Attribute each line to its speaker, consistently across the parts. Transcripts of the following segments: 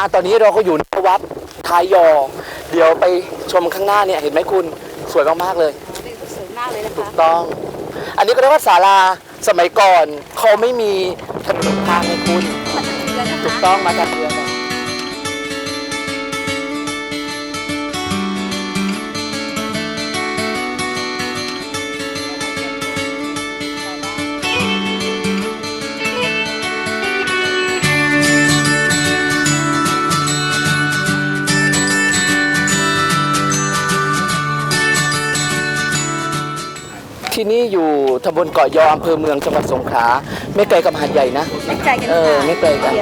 Speaker 1: ตอนนี้เราก็อยู่ในวัดท้ายยอเดี๋ยวไปชมข้างหน้าเนี่ยเห็นไหมคุณสวยมากๆเลย
Speaker 2: สวยมากเลยนะคะ
Speaker 1: ถูกต้องอันนี้ก็เรียกว่าศาลาสมัยก่อนเขาไม่มีถนนทางให้คุณถูกต้องมาจากเรือที่นี่อยู่ตำบลเกาะยออำเภอเมืองจังหวัดสงขลาไม่ไกลกับหาดใหญ่นะ
Speaker 2: ไม่ไกลกันค่ะ
Speaker 1: ไม่ไกลกัน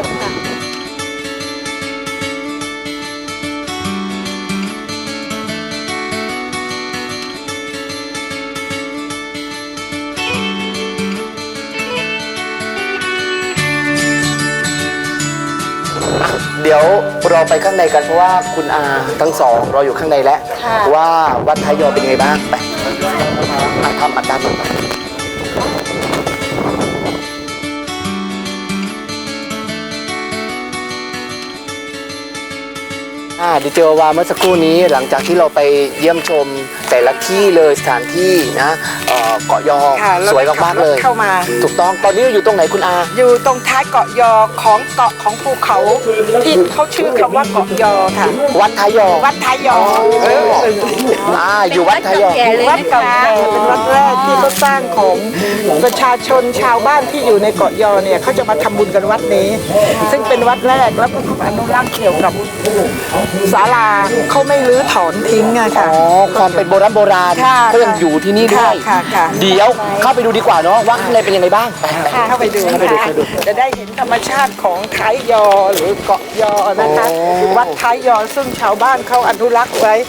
Speaker 1: เดี๋ยวเราไปข้างในกันเพราะว่าคุณอาทั้งสองรออยู่ข้างในแล้วว่าวัดท้ายยอเป็นยังไงบ้างไปทำอัดด้านต่อไปดิเจอว่าเมื่อสักครู่นี้หลังจากที่เราไปเยี่ยมชมแต่ละที่เลยสถานที่นะเกาะยอสวยมากๆเลย
Speaker 3: เข้ามา
Speaker 1: ถูกต้องตอนนี้อยู่ตรงไหนคุณอา
Speaker 3: อยู่ตรงท้ายเกาะยอของเกาะของภูเขาที่เขาชื่อคำว่าเกาะยอค่ะ
Speaker 1: วัดท้ายยอ
Speaker 3: วัดท้ายยอ
Speaker 1: อยู่วัดท้ายยอ
Speaker 3: วัดเก่าแก่เป็นวัดแรกที่เขาสร้างของประชาชนชาวบ้านที่อยู่ในเกาะยอเนี่ยเขาจะมาทำบุญกันวัดนี้ซึ่งเป็นวัดแรกแล้วก็อนุรักษ์เกี่ยวกับศาลาเขาไม่รื้อถอนทิ้งอะค่ะ
Speaker 1: ความเป็นโบราณก็ยังอยู่ที่นี่ด้วยเดี๋ยวเข้าไปดูดีกว่าเนาะว่าข้างในเป็นยังไงบ้าง
Speaker 3: เข้าไปดูจะได้เห็นธรรมชาติของท้ายยอหรือเกาะยอนะคะวัดท้ายยอซึ่งชาวบ้านเขาอนุรักษ์ไว้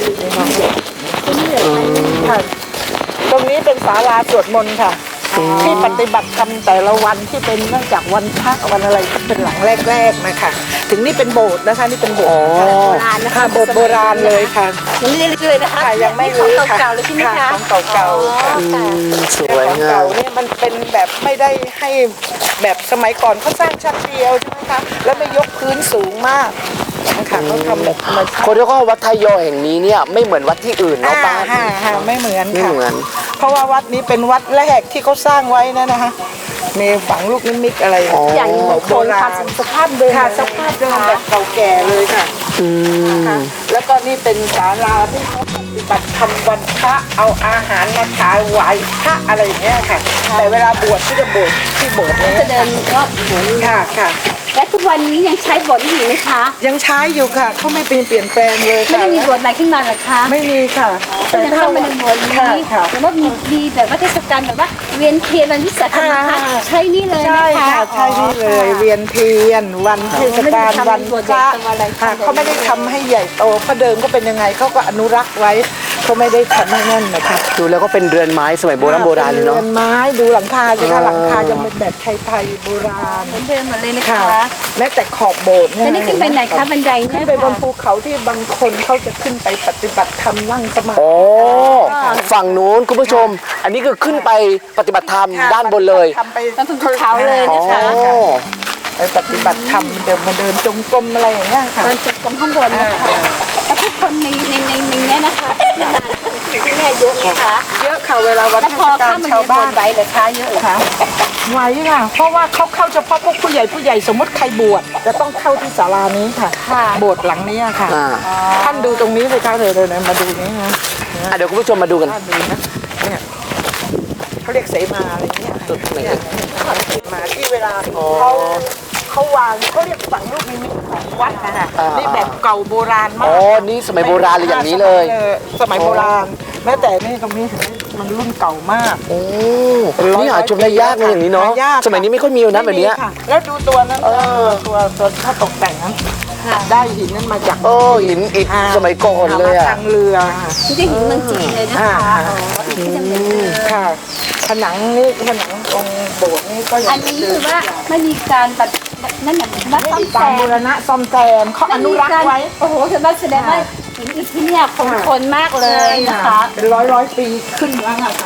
Speaker 3: ตรงนี้เป็นศาลาสวดมนต์ค่ะที่ปฏิบัติธรรมแต่ละวันที่เป็นเนื่องจากวันพระวันอะไรก็เป็นหลังแรกๆนะคะถึงนี่เป็นโบสถ์นะคะนี่เป็นโบสถ์โบราณนะคะโบสถ์โบราณเลยค่ะ
Speaker 2: ยังไม่ได้เลยนะคะ
Speaker 3: ยังไม่รู้ค่ะ
Speaker 2: เก่าๆเลยใช่ไหมคะ
Speaker 3: ของเก่า
Speaker 1: สวยงาม
Speaker 3: เนี่ยมันเป็นแบบไม่ได้ให้แบบสมัยก่อนเขาสร้างชั้นเดียวใช่ไหมคะแล้วไม่ยกพื้นสูงมากนะคะเขาทำแบบ
Speaker 1: คนที่เขาวัดท้ายยอแห่งนี้เนี่ยไม่เหมือนวัดที่อื่นเนาะป้า
Speaker 3: ไม่เหมือนค่ะเพราะว่าวัดนี้เป็นวัดแรกที่เขาสร้างไว้นะคะมีฝังลูกนิมิตอะไร
Speaker 2: อย่างโบราณสภาพเดิม
Speaker 3: สภาพเดิมแบบเก่าแก่เลยค่ะแล้วก็นี่เป็นศาลาที่เขาปฏิบัติธรรมวันพระเอาอาหารมาถวายพระอะไรอย่างเงี้ยค่ะแต่เวลาบวชที่จะบวชที่โบสถ์นี้
Speaker 2: จะเดินรอบโบสถ์
Speaker 3: ค่ะ
Speaker 2: และทุกวันนี้ยังใช้โบสถ์อยู่ไหมคะ
Speaker 3: ยังใช้อยู่ค่ะเขาไม่เปลี่ยนแปลงเลย
Speaker 2: ไม่ได้มีโบสถ์ใหม่ขึ้นมาหรอคะ
Speaker 3: ไม่มีค่ะ
Speaker 2: แต่ถ้ามันเป็นโบสถ์นี้แต่ว่ามีแบบว่าเทศกาลแบบว่าเวียนเทียนวันวิสาขบูชาใช่นี่เลยนะคะ
Speaker 3: ใช่นี่เลยเวียนเทียนวันเทศกาลวันพระเขาไม่ได้ทำให้ใหญ่โตเพราะเดิมก็เป็นยังไงเขาก็อนุรักษ์ไว้เขาไม่ได้ทำให้นั่นนะคะ
Speaker 1: ดูแล้วก็เป็นเรือนไม้สมัยโบราณเลยเนาะ
Speaker 3: เรือนไม้ดูหลังคาสิคะหลังคายังเป็นแบบไทยโบราณ
Speaker 2: เหมือนเดิมหมดเลยนะคะ
Speaker 3: แม้แต่ขอบโบสถ์
Speaker 2: เนี่ยนี่ขึ้นไปไหนคะบันได
Speaker 3: ขึ้นไปบนภูเขาที่บางคนเขาจะขึ้นไปปฏิบัติธรรมนั่งสมาธิ
Speaker 1: ฝั่งนู้นคุณผู้ชมอันนี้คือขึ้นไปปฏิบัติธรรมด้านบนเลย
Speaker 2: ไปภูเขาเลยนะคะ
Speaker 3: ไปปฏิบัติธรรมเดินมาเดินจงกรมอะไรอย่างเงี้ยค่ะ
Speaker 2: เดินจงกรมข้างบนนะคะแล้วทุกคนในนี้นะคะที่แม่เยอะนะคะ
Speaker 3: เยอะค่ะเวลาวันเทศกาลชาวบ้าน
Speaker 2: ไปเลยค่ะเยอะค่ะ
Speaker 3: ไว้ค่ะเพราะว่าเขาเข้าเฉพาะพวกผู้ใหญ่สมมติใครบวชจะต้องเข้าที่ศาลานี้ค่ะโบสถ์หลังนี้ค่ะท่านดูตรงนี้เลยค่ะเลยมาดูนี้นะ
Speaker 1: เดี๋ยวคุณผู้ชมมาดูกัน
Speaker 3: เนี่ยเขาเรียกเสมาอะไรเงี้ยจุดไหนเสมาที่เวลาเขาวางเขาเรียกฝังลูกนิมิตของวัดนะคะนี่แบบเก่าโบราณมาก
Speaker 1: นี่สมัยโบราณเลยอย่างนี้เลย
Speaker 3: สมัยโบราณแม้แต่นี่ตรงนี้มันรุ่นเก่ามาก
Speaker 1: นี่หาชมได้ยากเลยอย่างนี้เนาะสมัยนี้ไม่ค่อยมีนะแบบนี้
Speaker 3: แล้วดูตัวนั้นตัวถ้าตกแต่งนั้นได้หินนั้นมาจาก
Speaker 1: หินอิฐสมัยก่อนเลย
Speaker 3: ทางเรือ
Speaker 2: ที่ได้หินเมืองจีนเลยนะคะ
Speaker 3: ค่ะผนังนี่ผนังองค์โบสถ์นี่ก็
Speaker 2: อันนี้คือว่าไม่มีการแบบนั่นแบบว่าซ่อมแซม
Speaker 3: บูรณะซ่อมแซมเขาอนุรักษ์ไว้
Speaker 2: โอ้โหคือว่าแสดงว่าหินอิฐที่เนี่ยคงทนมากเลยนะคะ
Speaker 3: เป็นร้อยปีขึ้นแล้วค่ะ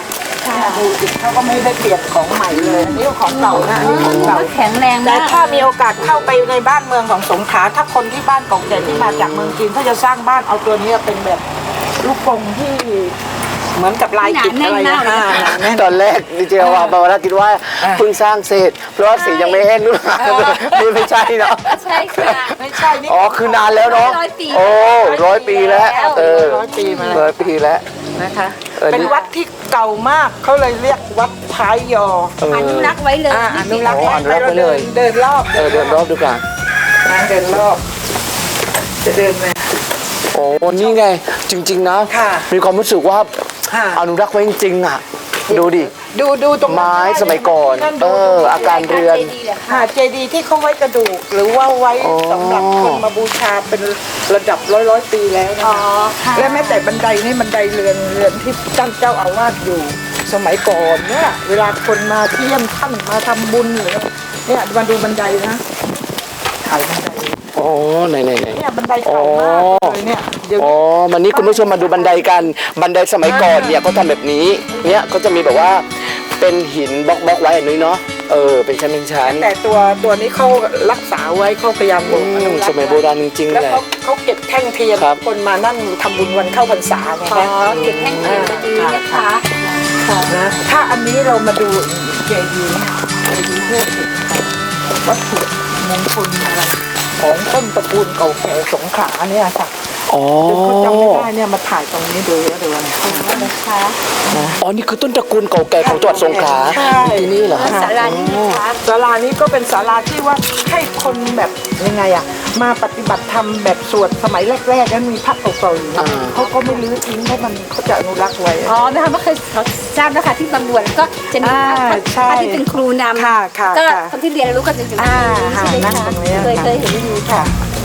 Speaker 3: ดูสิเขาก็ไม่ได้เปลี่ยนของใหม่เลยอันนี่ของเก่านะอันนี้ของเก่า
Speaker 2: แข็งแรง
Speaker 3: แต่
Speaker 2: มาก
Speaker 3: ถ้ามีโอกาสเข้าไปในบ้านเมืองของสงขลาถ้าคนที่บ้านเก่าแก่ที่มาจากเมืองจีนเขาจะสร้างบ้านเอาตัวนี้เป็นแบบลูกกรงที่เหมือนกับลายกิจอะไรนะแน่น
Speaker 1: ตอนแรกดีเจว่าบาวาร่าคิดว่าเพิ่งสร้างเสร็จเพราะว่าสียังไม่แห้งนู่นนี่ไม่ใช่เนาะ
Speaker 2: ใช่ค่ะ
Speaker 3: ไม่ใช่นี่
Speaker 1: อ๋อคือนานแล้วเนาะ
Speaker 2: 100 ปี
Speaker 1: โอ้100 ปีแล้วเออ
Speaker 3: 100 ปีมาแล้ว
Speaker 1: 100 ปีแล้ว
Speaker 3: นะคะ
Speaker 1: เออนี่
Speaker 3: เป็นวัดที่เก่ามากเขาเลยเรียกวัดท้ายยอ
Speaker 2: อนุรักษ์ไว้เลย
Speaker 3: อนุรักษ์
Speaker 1: อนุรักษ์ไว้เลย
Speaker 3: เดินรอบ
Speaker 1: เดินรอบดูกัน
Speaker 3: เดินรอบ จะเดินไหม
Speaker 1: โอ้นี่ไงจริง ๆ นะ
Speaker 3: ค่ะ
Speaker 1: มีความรู้สึกว่า
Speaker 3: ค่ะ
Speaker 1: อนุรักษ์ไว้จริงๆอ่ะดูดิ
Speaker 3: ดูตรง
Speaker 1: ไม้สมัยก่อน
Speaker 3: นั่นดู
Speaker 1: อาการเรือน
Speaker 3: ค่ะเจดีย์ที่เขาไว้กระดูก หรือว่าไว้
Speaker 1: อ๋อ
Speaker 3: สำหรับคนมาบูชาเป็นระดับร้อยปีแล้วนะ
Speaker 2: อ๋อ
Speaker 3: คะ
Speaker 2: ค่ะ
Speaker 3: และแม้แต่บันไดนี่บันไดเรือนที่ท่านเจ้าอาวาสอยู่ สมัยก่อนเนี่ยเวลาคนมาเที่ยมท่านมาทำบุญหรือเนี่ยมาดูบันไดนะถ่ายบันได
Speaker 1: อ๋อไหน
Speaker 3: เนี่ยบันไดเก่ามากเลยเนี่ยเดี๋ยว
Speaker 1: อ๋อวันนี้คุณผู้ชมมาดูบันไดกันบันไดสมัยก่อนเนี่ยเขาทำแบบนี้เนี่ยเขาจะมีแบบว่าเป็นหินบล็อกไว้อันนี้เนาะเป็นชั้น
Speaker 3: แต่ตัวนี้เขารักษาไว้เขาพยายามอนุรักษ์
Speaker 1: สมัยโบราณจริงๆ
Speaker 3: แล้ว
Speaker 1: แหละ
Speaker 3: เขาเก็บแท่งเทียน
Speaker 1: ครับ
Speaker 3: คนมานั่งทำบุญวันเข้าพรรษาไง
Speaker 2: ขอ
Speaker 3: คะ
Speaker 2: เก็บแห้งเทียนมาดีนะคะ
Speaker 3: นะถ้าอันนี้เรามาดูเจดีย์เนี่ยเจดีย์เพื่อวัตถุมงคลอะไรของต้นตระกูลเก่าแก่สงขลาเนี่ยค่ะ
Speaker 1: อ๋อ
Speaker 3: เขาจำไม่ได้เนี่ยมาถ่ายตรงนี้ดูแล้วดูนะ
Speaker 2: นะคะ
Speaker 1: อ๋อนี่คือต้นตระกูลเก่าแก่ของจังหวัดสงขลา
Speaker 3: ใช่
Speaker 1: ที่นี่เหรอฮะ
Speaker 2: ศาลานี้นะคะ
Speaker 3: ศาลานี้ก็เป็นศาลาที่ว่าให้คนแบบยังไงอะมาปฏิบัติธรรมแบบสวดสมัยแรกๆนั้นมีพระเก่าๆอยู่นะเขาก็ไม่ลื้อทิ้งเพราะมันเขาจะอนุรักษ์ไว้
Speaker 2: อ๋อนะคะไม่เคยทราบนะคะที่บางบวนก็จะมีพระ
Speaker 3: ใช่
Speaker 2: ที่เป็นครูนำ
Speaker 3: ค่ะค่ะ
Speaker 2: ก็
Speaker 3: ค่ะ
Speaker 2: คนที่เรียนรู้ก็จะอยู่
Speaker 3: อ่า
Speaker 2: ใช่ไหม
Speaker 3: นั่ง
Speaker 2: คะ
Speaker 3: ตรงนี้
Speaker 2: เคยเห็นอยู่ค่ะ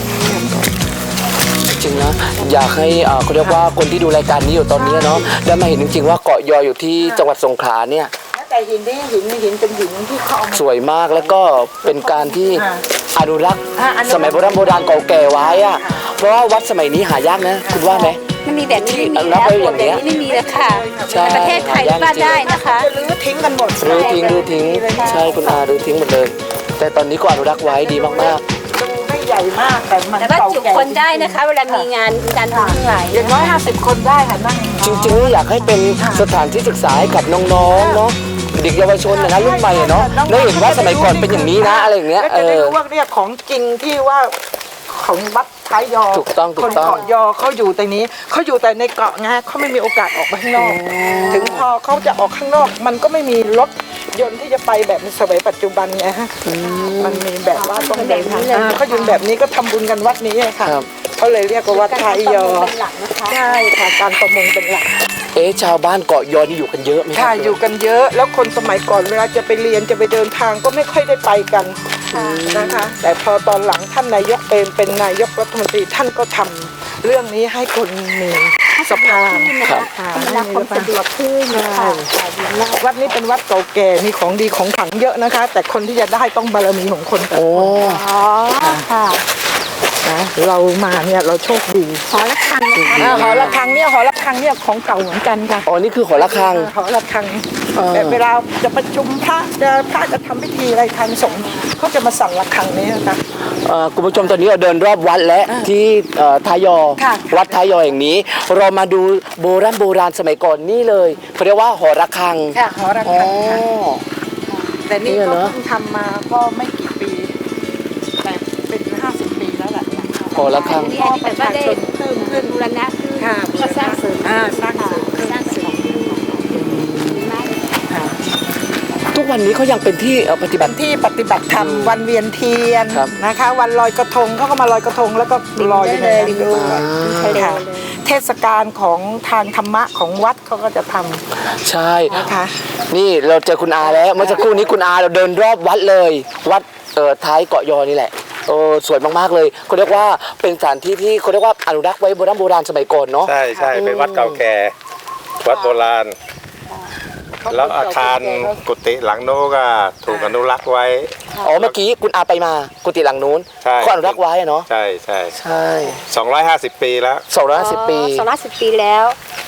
Speaker 1: จริงนะอยากให้เขาเรียกว่าคนที่ดูรายการนี้อยู่ตอนนี้เนาะได้มาเห็นจริงๆว่าเกาะยออยู่ที่จังหวัดสงขลาเนี่ย
Speaker 3: แต่หินนี่หินเป็นหินที่เขาเอามา
Speaker 1: สวยมากแล้วก็เป็นการที่อนุรักษ์
Speaker 3: อ่าอนุรักษ์
Speaker 1: สมัยโบราณเก่าแก่ไว้อะเพราะว่าวัดสมัยนี้หายากนะคุณว่าไหม
Speaker 2: ไม่มีแบบนี้ไม่มี
Speaker 1: ที่
Speaker 2: แล้ว
Speaker 1: รับไว้อย่างเงี้ย
Speaker 2: แบบนี้ไม่มีแล้วค่ะ
Speaker 1: ใช่
Speaker 2: ในประเทศไทยว่าได้นะคะ
Speaker 3: จะลื้อทิ้งกันหมด
Speaker 1: รื้อทิ้งใช่คุณอารื้อทิ้งหมดเลย แต่ตอนนี้ก็อนุรักษ์ไว้ดีมาก
Speaker 3: ดูไม่ใหญ่มากแต่มัน
Speaker 2: แต่ว่า
Speaker 3: เก่า
Speaker 2: จุ
Speaker 3: แก่
Speaker 2: คนได้นะคะ เวลามีงานการทำทั้งหลาย
Speaker 3: อย่างน้อย50 คนได้ค่ะนั่ง
Speaker 1: ๆ จริงๆอยากให้เป็นสถานที่ศึกษาให้กับน้องๆเนาะเด็กเยาวชนนะรุ่นใหม่อะเนาะแล้วเห็นว่าสมัยก่อนเป็นอย่างนี้นะอะไรอย่างเงี้ย
Speaker 3: แล้วจะได้รู้ว่าเนี่ยของจริงที่ว่าของวัดท้ายยอ
Speaker 1: ถูกต้อง
Speaker 3: คนเกาะยอเขาอยู่แต่นี้เขาอยู่แต่ในเกาะไงเขาไม่มีโอกาสออกไปข้างนอก ถึงพอเขาจะออกข้างนอก มันก็ไม่มีรถยนต์ที่จะไปแบบในสมัยปัจจุบันไงฮะมันมีแบบว่าต้องเดินทางเขาอยู่แบบนี้ก็ทำบุญกันวัดนี้ค่ะ
Speaker 1: ครับ
Speaker 3: เขาเลยเรียกว่าวัดท้ายยอ
Speaker 2: เป็นหลักนะคะ
Speaker 3: ใช่ค่ะการประมงเป็นหลัก
Speaker 1: ชาวบ้านเกาะยอนี่อยู่กันเยอะไหมครั
Speaker 3: ค่ะ
Speaker 1: บ
Speaker 3: อยู่กันเยอะแล้วคนสมัยก่อนเวลาจะไปเรียนจะไปเดินทางก็ไม่ค่อยได้ไปกันนะคะ แต่พอตอนหลังท่านนายกเป็นนายกรัฐมนตรีท่านก็ทำเรื่องนี้ให้คนมีสะพาน
Speaker 1: ครับ
Speaker 3: ค่ะ
Speaker 2: เวลาความสะดวกขึ้นค่ะ
Speaker 3: วัดนี้เป็นวัดเก่าแก่มีของดีของขลังเยอะนะคะ แต่คนที่จะได้ต้องบารมีของคนแต่
Speaker 1: โอ้
Speaker 2: อ๋อค่ะ
Speaker 3: นะเรามาเนี่ยเราโชคดี
Speaker 2: หอระฆังนะคะ
Speaker 3: หอระฆังเนี่ยของเก่าเหมือนกันค่ะ
Speaker 1: อ๋อนี่คือหอระฆัง
Speaker 3: หอระฆัง
Speaker 1: อ่า
Speaker 3: แต่เวลาจะประชุมพระจะทำพิธีอะไรทางสงฆ์เขาจะมาสั่งระฆังนี้นะคะ
Speaker 1: คุณผู้ชมตอนนี้เราเดินรอบวัดและที่ท้ายยอ
Speaker 3: ค่ะ
Speaker 1: วัดท้ายยออย่างนี้ เรามาดูโบราณสมัยก่อนนี่เลยเขาเรียกว่าหอระฆัง
Speaker 3: ค่ะหอระ
Speaker 1: อ๋อ
Speaker 3: ฆังค่ะแต่นี่
Speaker 1: เนี่ย
Speaker 3: ก็
Speaker 1: เนอะ
Speaker 3: เพิ่งทำมาก็ไม่กี่ปีแต่เป็น50 ปีแล้วแหละ
Speaker 1: หอระฆัง
Speaker 2: อันนี้แบบว่าได้
Speaker 3: เพิ่มขึ้น
Speaker 2: บูรณะขึ้น
Speaker 3: ค่ะ
Speaker 2: ก็สร้างเสริม
Speaker 3: สร้างเสริมขึ้น
Speaker 2: สร้างเสริมขึ้นดีมากเลยค่ะ
Speaker 1: ทุกวันนี้เขายังเป็นที่ปฏิบั
Speaker 3: เป็
Speaker 1: ติ
Speaker 3: นที่ปฏิบัติธรรมวันเวียนเทียน
Speaker 1: ครับ
Speaker 3: นะคะ วันลอยกระทงเขาก็มาลอยกระทงแล้วก็ลอยอยู่ในนั้นด้วย ใช่ค่ะเทศกาลของทางธรรมะของวัดเขาก็จะท
Speaker 1: ใช่
Speaker 3: ำนะคะ
Speaker 1: นี่เราเจอคุณอาแล้วเมื่อสักครู่นี้คุณอาเราเดินรอบวัดเลย วัดท้ายเกาะยอนี่แหละสวยมากๆเลยเขาเรียกว่าเป็นสถานที่ที่เขาเรียกว่าอนุรักษ์ไว้โบราณสมัยก่อนเนาะ
Speaker 4: ใช่ใช่เป็นวัดเก่าแก่ วัดโบราณ แล้วอาคารกุฏิหลังโน้นก็ถูกอนุรักษ์ไว้
Speaker 1: อ๋อเมื่อกี้คุณอาไปมากุฏิหลังนู้น
Speaker 4: ใช่
Speaker 1: ก็อนุรักษ์ไว้อะเนาะ
Speaker 4: ใช่ใช่
Speaker 1: ใช่
Speaker 4: 250 ปีแล้ว
Speaker 1: 250 ปี
Speaker 2: 210 ปีแล้ว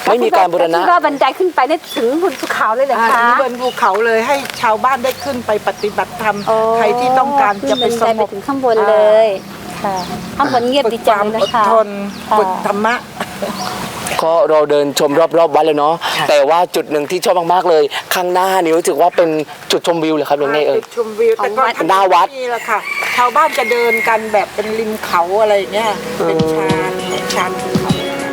Speaker 1: ไม่มีการบูรณะ
Speaker 2: ที่ว่าบันไดขึ้นไปได้ถึงบนภูเขาเลยเหรอคะ
Speaker 3: บนภูเขาเลยให้ชาวบ้านได้ขึ้นไปปฏิบัติธรรม
Speaker 2: โอ้
Speaker 3: ใครที่ต้องการจะไปส
Speaker 2: ขึ้น
Speaker 3: ง
Speaker 2: บันได
Speaker 3: บ
Speaker 2: ไปถึงข้างบนเลยค่ะข้างบนเงียบ
Speaker 3: ฝึ
Speaker 2: ดี
Speaker 3: กค
Speaker 2: จัง
Speaker 3: วาม
Speaker 2: เลย
Speaker 3: อ
Speaker 2: นะ
Speaker 3: ด
Speaker 2: คะ
Speaker 3: ทนฝึกธรรมะ
Speaker 1: ก็เราเดินชมรอบๆวัดเลยเนาะแต่ว่าจุดหนึ่งที่ชอบมากๆเลย ข้างหน้านี่รู้สึกว่าเป็นจุดชมวิวเลยครับหรือไงเอ่ย
Speaker 3: จุดชมวิวแต่ก็
Speaker 1: หน้าวัด
Speaker 3: นี่แหละค่ะชาวบ้านจะเดินกันแบบเป็นริมเขาอะไรอย่างเงี้ยเป็นชานภูเขา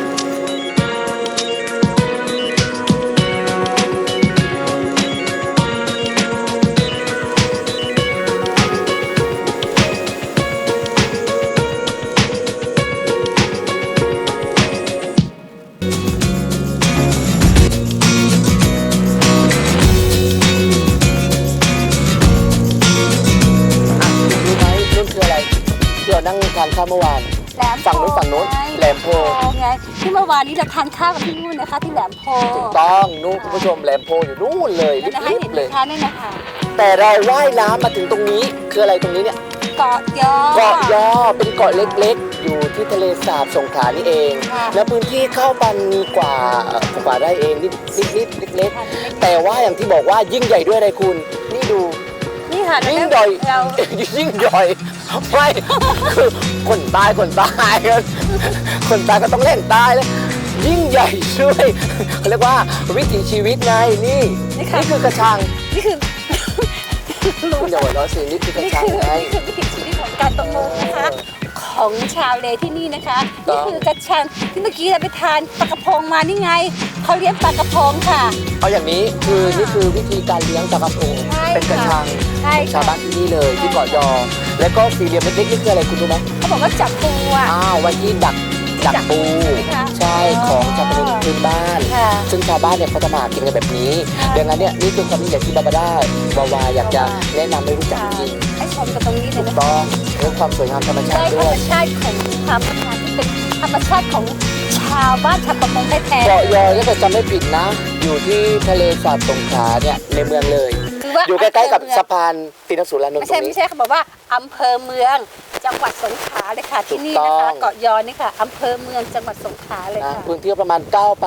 Speaker 1: รู้ไหมนู่นคืออะไรที่เรานั่งทานข้าวเมื่อวาน
Speaker 2: แหลม
Speaker 1: ฝั่งนู้น
Speaker 2: ไง
Speaker 1: แหลมโพ
Speaker 2: ไงที่เมื่อวานนี้เราทานข้าวกันที่นู่นนะคะที่แหลมโพ
Speaker 1: ถูกต้องนู่นคุณผู้ชมแหลมโพอยู่นู่นเลย
Speaker 2: นั่นนะคะ
Speaker 1: ลิ
Speaker 2: เห็
Speaker 1: บ
Speaker 2: น
Speaker 1: ๆ
Speaker 2: ไหม
Speaker 1: เลย
Speaker 2: คะนั่นนะคะ
Speaker 1: แต่เราว่ายน้ำมาถึงตรงนี้คืออะไรตรงนี้เนี่ย
Speaker 2: เกาะยอ
Speaker 1: เกาะยอเป็นเกาะเล็กๆ อยู่ที่ทะเลสาบสงขลานี่เอง
Speaker 2: ค่ะ
Speaker 1: และพื้นที่เข้าปันกว่าไร่เองนิดๆเล็กๆ แต่ว่าอย่างที่บอกว่ายิ่งใหญ่ด้วยอะไรคุณ นี่ดู
Speaker 2: นี่ค่ะ
Speaker 1: ยิ่งใหญ่
Speaker 2: เรา
Speaker 1: ยิ่งใหญ่ไม่คือคนตายคนตายก็ต้องเล่นตายแล้วยิ่งใหญ่ช่วยเขาเรียกว่าวิถีชีวิตไงนี่คือกระชัง
Speaker 2: นี่คือ
Speaker 1: คุณอย่าหัวเราะสินี่คือกระ
Speaker 2: นี่
Speaker 1: ชัง
Speaker 2: คือ
Speaker 1: ไง
Speaker 2: วิถีชีวิตของการประมงนะคะ ของชาวเลที่นี่นะคะ
Speaker 1: ถู
Speaker 2: นี่
Speaker 1: กต้อง
Speaker 2: คือกระชังที่เมื่อกี้เราไปทานปลากระพงมานี่ไงเขาเลี้ยงปลากระพงค่ะ
Speaker 1: เอาอย่างนี้นี่คือวิธีการเลี้ยงปลากระพง
Speaker 2: ใช่
Speaker 1: เป็นกระชัง
Speaker 2: ใช่
Speaker 1: ของชาวบ้านที่นี่เลยที่เกาะยอ แล้วก็สี่เหลี่ยมเล็กๆนี่คืออะไรคุณรู้ไหม
Speaker 2: เขาบอกว่าจับปูอ่ะ
Speaker 1: อ้าววันที่ดักปู
Speaker 2: ค่ะ
Speaker 1: ใช่ของชาวประมงพื้นบ้าน
Speaker 2: ค่ะ
Speaker 1: ซึ่งชาวบ้านเนี่ยเขาจะมาหากินกันแบบนี้
Speaker 2: ค่ะ
Speaker 1: ดังนั้นเนี่ยนี่คือความยิ่งใหญ่ที่บาบาร่าวาวาอยากจะแนะนำให้รู้จักจริง
Speaker 2: ให้ชมกันตรงนี้เลย
Speaker 1: ถูก
Speaker 2: นะ
Speaker 1: ต้องเรื่องความสวยงามธรรมชา
Speaker 2: ได้
Speaker 1: ติ
Speaker 2: ธร
Speaker 1: ด้
Speaker 2: ร
Speaker 1: ว
Speaker 2: ม
Speaker 1: ย
Speaker 2: ชาติของความพัฒนาที่เป็นธรรมชาติของชาวบ้านชาวประมงแท้
Speaker 1: เกาะยอถ้าเกิดจำไม่ผิดนะ อยู่ที่ทะเลสาบสงขลาเนี่ยในเมืองเลย
Speaker 2: ๆคือว่า
Speaker 1: อยู่ใกล้ๆกับสะพานตินสุรานนท์
Speaker 2: ไม่
Speaker 1: ตร
Speaker 2: ใช่
Speaker 1: งนี้
Speaker 2: ไม่ใช่เขาบอกว่าอำเภอเมืองจังหวัดสงขลาเลยค่ะที่นี่
Speaker 1: ถูก
Speaker 2: นะ
Speaker 1: ต้
Speaker 2: คะ
Speaker 1: อง
Speaker 2: เกาะยอนี่ค่ะอำเภอเมืองจังหวัดสงขลาเลย
Speaker 1: นะ
Speaker 2: ค่ะ
Speaker 1: พื้นที่ประมาณ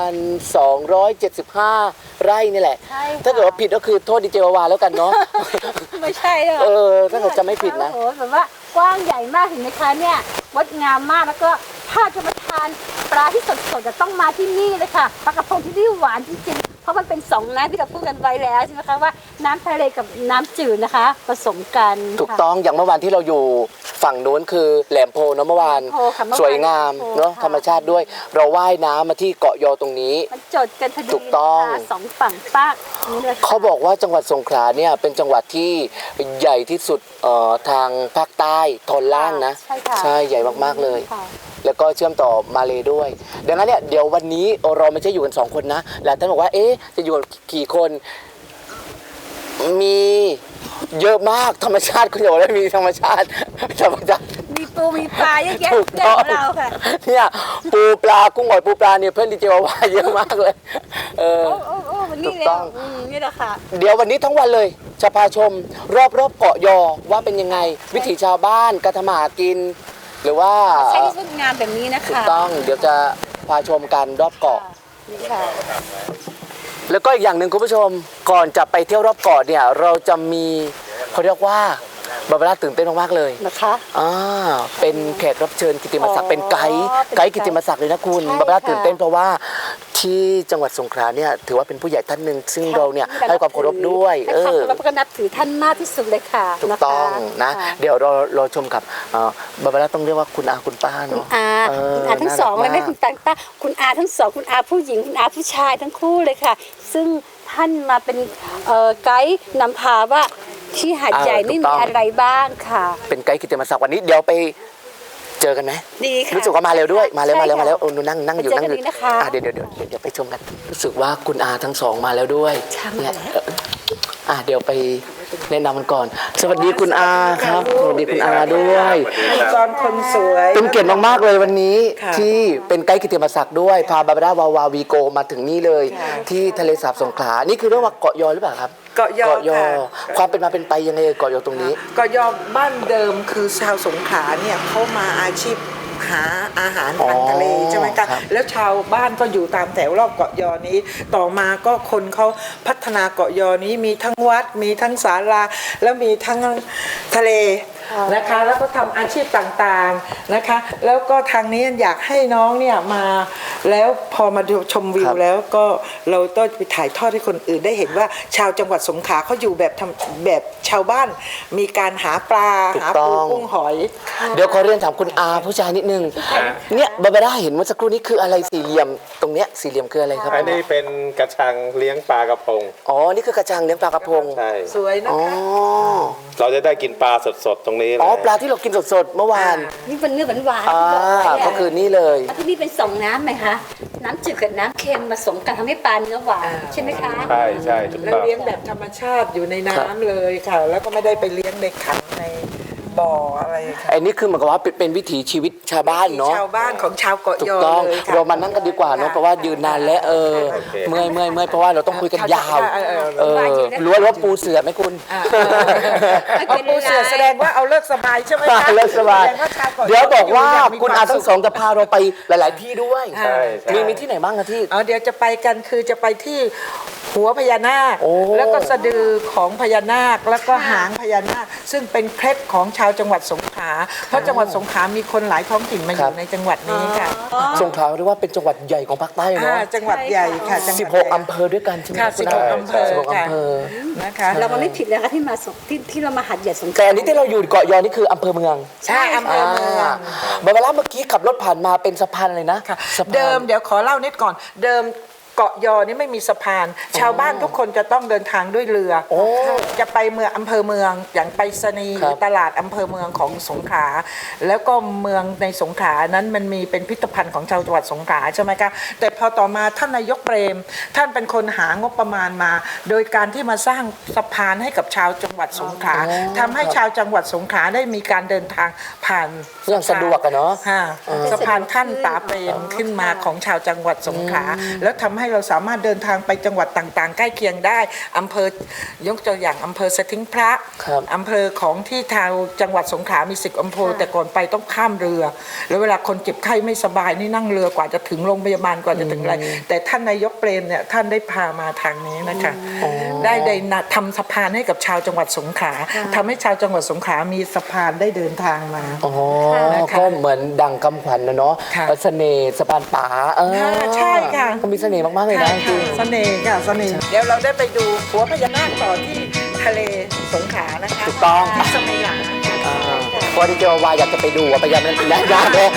Speaker 1: 9,275 ไร่นี่แหละ
Speaker 2: ใช่ค่ะ
Speaker 1: ถ้าเกิดว่าผิดก็คือโทษดีเจวาวาแล้วกันเนาะ
Speaker 2: ไม่ใช่หรอก
Speaker 1: ถ้าเกิดจำไม่ผิดนะ
Speaker 2: โอ้โหแบบว่ากว้างใหญ่มากเห็นไหมคะเนี่ยงดงามมากแล้วก็ถ้าจะมาทานปลาที่สดๆจะต้องมาที่นี่เลยค่ะปลากระพงที่นี่หวานจริงๆเพราะมันเป็นสองน้ำที่เราพูดกันไว้แล้วใช่ไหมคะว่าน้ำทะเลกับน้ำจืดนะคะผสมกัน
Speaker 1: ถูก
Speaker 2: ค่ะ
Speaker 1: ต้องอย่างเมื่อวานที่เราอยู่ฝั่งนู้นคือแหลมโพเนาะเมื่อวาน
Speaker 2: แหลมโพค่ะเมื่อวาน
Speaker 1: สวยงาม
Speaker 2: แหลมโพ
Speaker 1: เนาะ
Speaker 2: ค่ะ
Speaker 1: ธรรมชาติด้วย เราว่ายน้ำมาที่เกาะยอตรงนี้
Speaker 2: มันจดกันพอดี
Speaker 1: ถูกต้อง
Speaker 2: นะคะสองฝั่งปากนี่เลยค่ะ
Speaker 1: เขาบอกว่าจังหวัดสงขลาเนี่ยเป็นจังหวัดที่ใหญ่ที่สุดทางภาคใต้ตอนล่างนะ
Speaker 2: ใช่ค่ะ
Speaker 1: ใช่ใหญ่มากๆเลย
Speaker 2: ค่ะ
Speaker 1: แล้วก็เชื่อมต่อมาเลด้วย ดังนั้นเนี่ยเดี๋ยววันนี้เราไม่ใช่อยู่กัน2 คนนะหลายท่านบอกว่าเอ๊ะจะอยู่กันกี่คนมีเยอะมากธรรมชาติคุณอย่าบอกว่ามีธรรมชาติ
Speaker 2: มีปูมีปลาเยอะแยะ
Speaker 1: ถูก
Speaker 2: เพื่อน
Speaker 1: ต้อง
Speaker 2: ของเราค่ะ
Speaker 1: เนี่ยปูปลากุ้งหอยปูปลาเนี่ยเพื่อนดีเจวาวาเยอะมากเลย
Speaker 2: โอ้วันนี้
Speaker 1: ถูก
Speaker 2: เลย
Speaker 1: ต้อง
Speaker 2: นี่แหละค่ะ
Speaker 1: เดี๋ยววันนี้ทั้งวันเลยจะพาชมรอบเกาะยอว่าเป็นยังไง วิถีชาวบ้านการทำมาหากิน หรือว่า
Speaker 2: ใช้ที่สวยงามแบบนี้นะ
Speaker 1: ถูก
Speaker 2: คะ
Speaker 1: ต้องเดี๋ยวจะพาชมกันรอบเกาะ
Speaker 2: นี่ค่ะ
Speaker 1: แล้วก็อีกอย่างหนึ่งคุณผู้ชมก่อนจะไปเที่ยวรอบเกาะเนี่ยเราจะมีเขาเรียกว่าบาบาร่าตื่นเต้นมากๆเลย
Speaker 2: นะคะ
Speaker 1: เป็นแขกรับเชิญกิตติมศักดิ์เป็นไกด์
Speaker 2: เป็นไกด์
Speaker 1: กิตติมศักดิ์เลยนะคุณ
Speaker 2: ใช่
Speaker 1: บาบาร่า
Speaker 2: ค่ะ
Speaker 1: ตื่นเต้นเพราะว่าที่จังหวัดสงขลาเนี่ยถือว่าเป็นผู้ใหญ่ท่านหนึ่งซึ่งเราเนี่ยให้ความเคารพด้วย
Speaker 2: ให้ความเคารพก็นับถือท่านมากที่สุดเลยค่ะ
Speaker 1: ถูกต้องนะ
Speaker 2: ค่
Speaker 1: เดี๋ยวเราชมกับบาบาร่าต้องเรียกว่าคุณอาคุณป้าเนาะ
Speaker 2: คุณอาทั้งสองเลยไหมคุณตังต้าคุณอาทั้งสองคุณอาผู้หญิงคุณอาผู้ชายทั้งคู่เลยค่ะ ซึ่งท่านมาเป็นไกด์นำพาว่าที่หาดใหญ่นี่มีอะไรบ้างค่ะ
Speaker 1: เป็นไกด์กิตติมศักดิ์วันนี้เดี๋ยวไปเจอกันไหม
Speaker 2: ดีค่ะ
Speaker 1: รู้สึกว่ามาเร็วด้วยมาเร็ว
Speaker 2: ใช่
Speaker 1: มาเร็ว
Speaker 2: ค่ะ
Speaker 1: มาแล้วโอ้หนูนั่งอยู่
Speaker 2: ไปเจอ
Speaker 1: นั่งอยู่
Speaker 2: กันดีนะคะ
Speaker 1: เดี๋ยวไปชมกัน รู้สึกว่าคุณอาทั้งสองมาแล้วด้วย
Speaker 2: ใช่มาแล้ว
Speaker 1: เดี๋ยวไปแนะนำกันก่อน สวัสดีคุณอาครับสวัสดีคุณอาด้วย
Speaker 3: จอนคนสวย
Speaker 1: เป็นเกียรติมากๆเลยวันนี้
Speaker 3: ค่ะ
Speaker 1: ที่เป็นไกด์กิตติมศักดิ์ด้วยพาบาบาร่าวาวาวีโกมาถึงนี่เลย ที่ทะเลสาบสงขลานี่คือเรียกว่าเกาะยอหรือเปล่าครับ
Speaker 3: เกาะยอค่ะ
Speaker 1: ความเป็นมาเป็นไปยังไงเกาะยอตรงนี้
Speaker 3: เกาะยอบ้านเดิมคือชาวสงขลาเนี่ยเขามาอาชีพหาอาหารทางทะเลใช่ไหมคะแล้วชาวบ้านก็อยู่ตามแถวรอบเกาะยอนี้ต่อมาก็คนเขาพัฒนาเกาะยอนี้มีทั้งวัดมีทั้งศาลาแล้วมีทั้งทะเลนะคะแล้วก็ทำอาชีพต่างๆนะคะแล้วก็ทางนี้อยากให้น้องเนี่ยมาแล้วพอมาดูชมวิวแล้วก็เราต้องไปถ่ายทอดให้คนอื่นได้เห็นว่าชาวจังหวัดสงขลาเขาอยู่แบบชาวบ้านมีการหาปลาหาปูกุ้งหอย
Speaker 1: เดี๋ยวขอเรียนถามคุณอาผู้ชายนิดนึงเนี่ยบาบาร่าเห็นเมื่อสักครู่นี้คืออะไรสี่เหลี่ยมตรงเนี้ยสี่เหลี่ยมคืออะไรครับ
Speaker 4: อันนี้เป็นกระชังเลี้ยงปลากระพง
Speaker 1: อ๋อนี่คือกระชังเลี้ยงปลากระพง
Speaker 4: ใช่
Speaker 3: สวยนะ
Speaker 1: อ๋อ
Speaker 3: คะ
Speaker 4: เราจะได้กินปลาสดๆตรงนี้เลย
Speaker 1: อ๋อปลาที่เรากินสดๆเมื่อวาน
Speaker 2: นี่เป็นเนื้อหวานๆ
Speaker 1: อ่า
Speaker 2: ที่บอกไว้ะ
Speaker 1: ก็คือนี่เลย
Speaker 2: แล้วที่นี่เป็นสองน้ำไหมคะ น้ำจืดกับน้ำเค็มผสมกันทำให้ปลาเนื้อหวานใช่ไหมคะ
Speaker 4: ใช่ใช่ถูก
Speaker 3: แล้ว
Speaker 4: ต้อง
Speaker 3: เลี้ยงแบบธรรมชาติอยู่ในน้ำเลยค่ะ แล้วก็ไม่ได้ไปเลี้ยงในขังในบ่ออะไรค่ะ
Speaker 1: ไอ้นี่คือเหมือนกับว่าเป็นวิถีชีวิตชาวบ้านเนาะ
Speaker 3: ชาวบ้านของชาวเกาะ
Speaker 1: ถู
Speaker 3: ย
Speaker 1: ก
Speaker 3: อ
Speaker 1: ต้อง
Speaker 3: เลยค่ะ
Speaker 1: เรามานั่งกันดีกว่าเนาะเพราะว่ายืนนานแล้วเมื่อยเพราะว่าเราต้องคุยกันยาวรู้ว่าปูเสือไหมคุณ
Speaker 3: เอาปูเสือแสดงว่าเอาเลิกสบายใช่ไหมคะ
Speaker 1: เลิกสบาย
Speaker 3: แสดงว่าชาวเกาะยอ
Speaker 1: เดี๋ยวบอกว่า
Speaker 3: อยู่ย่มี
Speaker 1: คุณ
Speaker 3: ว
Speaker 1: อาม ทั้
Speaker 3: สุ
Speaker 1: ง
Speaker 3: ข
Speaker 1: สองจะพาเราไปหลาย ๆ ที่ด้วย
Speaker 4: ใช่ใช่
Speaker 1: มีที่ไหนบ้างอะที่
Speaker 3: เดี๋ยวจะไปกันคือจะไปที่หัวพญานาค
Speaker 1: โอ้
Speaker 3: แล้วก็สะดือของพญานาคแล้วก็หางพญานาคซึ่งเป็นเคล็ดของชาวจังหวัดสงขลาเพราะจังหวัดสงขลามีคนหลายท้องถิ่นมาอยู่ในจังหวัดนี้ค่ะ
Speaker 1: สงขลาเรียกว่าเป็นจังหวัดใหญ่ของภาคใต้เนาะ
Speaker 3: จังหวัดใหญ่ค่ะจังหวัดใหญ่
Speaker 1: 16 อำเภอด้วยกันใช่ไหม
Speaker 3: ค่ะ
Speaker 1: คุณ
Speaker 3: 16 อำเภอ
Speaker 1: 16
Speaker 3: ค่ะ
Speaker 1: อำเภอ
Speaker 3: นะคะ
Speaker 2: เรามาไม่ผิดเลยค่ะที่มาที่เรามาหัดใหญ่สงขลา
Speaker 1: แต่อันนี้ที่เราอยู่เกาะยอนี่คืออำเภอเมือง
Speaker 3: ใช่อำเภอเมือง
Speaker 1: บาบาร่าเมื่อกี้ขับรถผ่านมาเป็นสะพานเลยนะ
Speaker 3: ค่ะ
Speaker 1: สะพาน
Speaker 3: เดิมเดี๋ยวขอเล่านิดก่อน เดิมเกาะยอนี่ไม่มีสะพาน ชาวบ้านทุกคนจะต้องเดินทางด้วยเรือ
Speaker 1: โอ้
Speaker 3: จะไปเมืองอำเภอเมืองอย่างไปสนีย์ห
Speaker 1: ครั
Speaker 3: รื
Speaker 1: บ
Speaker 3: อตลาดอำเภอเมืองของสงขลาแล้วก็เมืองในสงขลานั้นมันมีเป็นพิพิธภัณฑ์ของชาวจังหวัดสงขลาใช่ไหมคะแต่พอต่อมาท่านนายกเปรม ท่านเป็นคนหางบประมาณมา โดยการที่มาสร้างสะพานให้กับชาวจังหวัดสงขลาทำให้ชาวจังหวัดสงขลาได้มีการเดินทางผ่าน
Speaker 1: อย่างสะดวกอะเนาะ
Speaker 3: ค่ะสะพานขั้นตาเปรมขึ้นมาของชาวจังหวัดสงขลาแล้วทำให้เราสามารถเดินทางไปจังหวัดต่างๆ ใกล้เคียงได้อำเภอยกตัวอย่างอำเภอสะทิ้งพระ
Speaker 1: ครับ
Speaker 3: อำเภอของที่ทางจังหวัดสงขลามี10 อำเภอแต่ก่อนไปต้องข้ามเรือ แล้วเวลาคนเจ็บไข้ไม่สบายนี่นั่งเรือกว่าจะถึงโรงพยาบาลกว่าจะถึงอะไรแต่ท่านนายกเปรมเนี่ยท่านได้พามาทางนี้นะคะได้ทำสะพานให้กับชาวจังหวัดสงขลาทำให้ชาวจังหวัดสงขลามีสะพานได้เดินทางมา
Speaker 1: อ๋อ
Speaker 3: นะคะ
Speaker 1: ก็เหมือนดังคำขวัญนะเนาะ
Speaker 3: ค่ะ
Speaker 1: เสน่ห์สะพานป่า
Speaker 3: ใช่ค่ะ
Speaker 1: ก็มีเสน่ห์มากๆเลยนะจริง
Speaker 3: เสน่ห์ค่ะเสน่ห์เดี๋ยวเราได้ไปดูหัวพญานาคต่อที่ทะเลสงขลานะคะ
Speaker 1: ถูกต้อง
Speaker 3: ที่สมัยหลังค่ะ
Speaker 1: เพราะที่เจอวาอยากจะไปดูพยายามนั้นยากเลย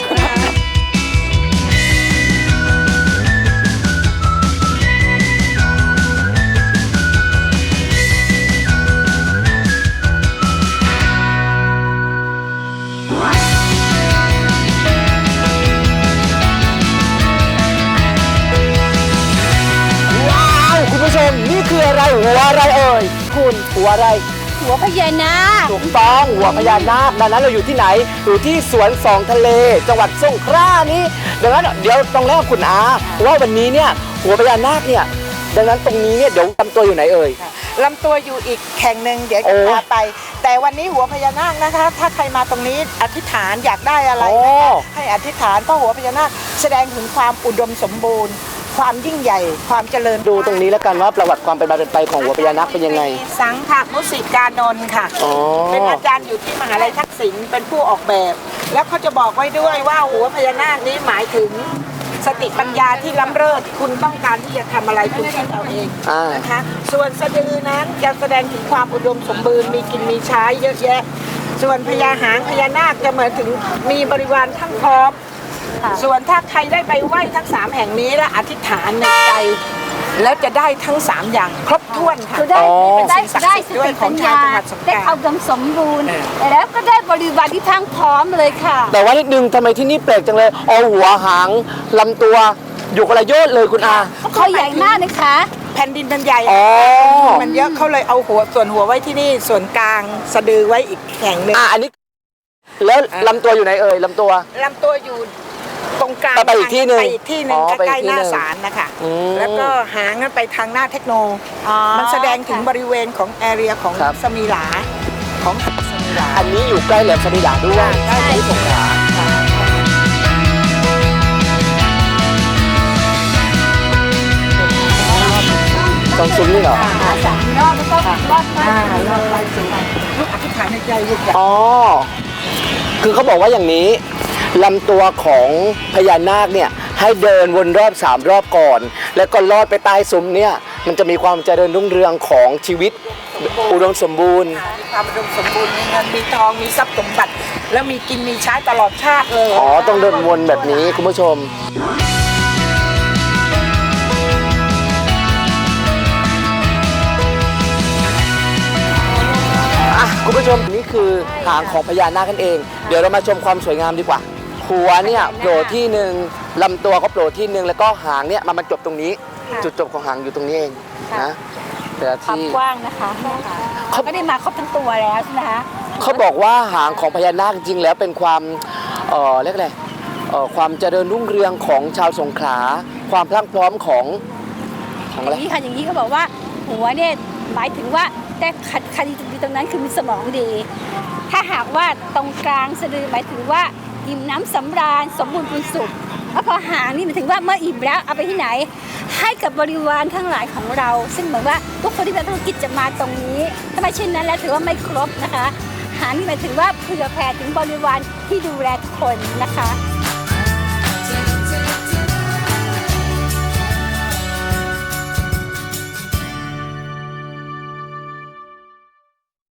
Speaker 1: ว้าวคุณผู้ชมนี่คืออะไรหัวอะไรเอ่ยคุณหัวอะไร
Speaker 2: หัวพญานาค
Speaker 1: ถูกต้องหัวพญานาคดังนั้นเราอยู่ที่ไหนอยู่ที่สวนสองทะเล จังหวัดสงขลานี้ดังนั้นเดี๋ยวต้องเล่าคุณอาว่าวันนี้เนี่ยหัวพญานาคเนี่ยดังนั้นตรงนี้เนี่ยเดี๋ยวทำตัวอยู่ไหนเอ่ย
Speaker 3: ลำตัวอยู่อีกแห่งหนึ่งเดี๋ยว
Speaker 1: โอ้
Speaker 3: จะพาไป แต่วันนี้หัวพญานาคนะคะ ถ้าใครมาตรงนี้อธิษฐานอยากได้อะไร
Speaker 1: โอ้
Speaker 3: นะคะให้อธิษฐานเพราะหัวพญานาคแสดงถึงความอุดมสมบูรณ์ ความยิ่งใหญ่ ความเจริญ
Speaker 1: ดูตรงนี้แล้วกันว่าประวัติความเป็นมาเป็นไปของหัวพญานาคเป็นยังไง
Speaker 3: สังขมุสิกานนท์ค่ะ
Speaker 1: อ๋อ
Speaker 3: เป็นอาจารย์อยู่ที่มหาลัยทักษิณเป็นผู้ออกแบบ แล้วเขาจะบอกไว้ด้วยว่าหัวพญานาคนี้หมายถึงสติปัญญาที่ล้ำเลิศคุณต้องการที่จะทำอะไรคุณคิดเอาเองนะคะ ส่วนสะดือนั้นจะแสดงถึงความอุดมสมบูรณ์มีกินมีใช้เยอะแยะ ส่วนพญาหางพญานาคจะเหมือนถึงมีบริวารทั้งพร้อม ส่วนถ้าใครได้ไปไหว้ทั้ง3แห่งนี้และอธิษฐานในใจ แล้วจะได้ทั้ง3อย่างครบถ้วนค่ะ
Speaker 2: คือได้
Speaker 1: อ๋อ
Speaker 2: ได้
Speaker 3: เป็นสิ่งศักดิ์
Speaker 2: ได้
Speaker 3: สิทธิ์
Speaker 2: ส
Speaker 3: ด้วย
Speaker 2: ติ
Speaker 3: ข
Speaker 2: ปั
Speaker 3: อง
Speaker 2: ญ
Speaker 3: ชาว
Speaker 2: ญา
Speaker 3: จังหวัดสงขลา
Speaker 2: ได้เอาดมสมบูรณ์แล้วก็ได้บริวารที่ทั้งพร้อมเลยค่ะ
Speaker 1: แต่ว่านิดนึงทำไมที่นี่แปลกจังเลยเอาหัวหางลำตัวอยู่คนละโยชน์เลยคุณอา
Speaker 2: เขาใหญ่มากนะคะ
Speaker 3: แผ่นดินมันใหญ่
Speaker 1: อ๋อ
Speaker 3: มันเยอะเขาเลยเอาส่วนหัวไว้ที่นี่ส่วนกลางสะดือไว้อีกแห่งหนึ่ง
Speaker 1: อันนี้แล้วลำตัวอยู่ไหนเอ่ยลำตัว
Speaker 3: ลำตัวอยู่ตรงกลาง
Speaker 1: ไปอีกที่หนึ่ง
Speaker 3: ไปอีกที่หนึ่ง
Speaker 1: อ๋อไปอี
Speaker 3: ใกล้
Speaker 1: ก
Speaker 3: ๆ
Speaker 1: ที่
Speaker 3: หน้า
Speaker 1: หนึ่ง
Speaker 3: ศาลนะคะ
Speaker 1: อืม
Speaker 3: แล้วก็หางนั้นไปทางหน้าเทคโน
Speaker 2: อ๋อ
Speaker 3: มันแสดงถึงบริเวณของแอเรียของ
Speaker 1: ครับ
Speaker 3: สมีหลาของหาดสมีหลา
Speaker 1: อันนี้อยู่ใกล้แหลมสมิลาด้วย
Speaker 3: ใช่
Speaker 1: ที่สงขลา
Speaker 3: ค่ะ
Speaker 1: ตรงซุ้มนี่เหรอ
Speaker 2: 3 รอบแล้วก็รอบมาก
Speaker 3: รอบไปสู่ลูกอธิษฐานในใจลูกอยาก
Speaker 1: อ๋อ คือเขาบอกว่าอย่างนี้ลำตัวของพญานาคเนี่ยให้เดินวนรอบ3 รอบก่อน แล้วก็ลอดไปใต้ซุ้มเนี่ยมันจะมีความเจริญรุ่งเรืองของชีวิตอุดมสมบูรณ์
Speaker 3: มีความอุดมสมบูรณ์มีเงินมีทองมีทรัพย์สมบัติ แล้วมีกินมีใช้ตลอดชาติเลย
Speaker 1: อ๋อ ต้องเดินวนแบบนี้คุณผู้ชม คุณผู้ชมนี่คือหางของพญานาคกันเอง เดี๋ยวเรามาชมความสวยงามดีกว่า หัวเนี่ยโผล่ที่หนึ่งลำตัวก็โผล่ที่หนึ่งแล้วก็หางเนี่ยมันมาจบตรงนี้ จุดจบของหางอยู่ตรงนี้เองนะแต่ละ
Speaker 2: ความ
Speaker 1: ที่
Speaker 2: กว้างนะคะเขาไม่ได้มาครบทั้งตัวแล้วใช่ไหมคะ
Speaker 1: เขาบอกว่าหางของพญานาคจริงๆแล้วเป็นความเรียกอะไรความเจริญรุ่งเรืองของชาวสงขลาความพลั่งพร้อมของ
Speaker 2: อ
Speaker 1: อะไร
Speaker 2: ย่างนี้ค่ะอย่างนี้เขาบอกว่าหัวเนี่ยหมายถึงว่าแต่คดีตรงนั้นคือมีสมองดี ถ้าหากว่าตรงกลางสะดือหมายถึงว่าอิ่มน้ำสำราญสมบูรณ์พูนสุขแล้วพอหางนี่หมายถึงว่าเมื่ออิ่มแล้วเอาไปที่ไหน ให้กับบริวารทั้งหลายของเรา ซึ่งเหมือนว่าทุกคนที่เป็นธุรกิจจะมาตรงนี้ถ้าไม่เช่นนั้นแล้วถือว่าไม่ครบนะคะหางนี่หมายถึงว่าเผื่อแผ่ถึงบริวารที่ดูแลคนนะคะ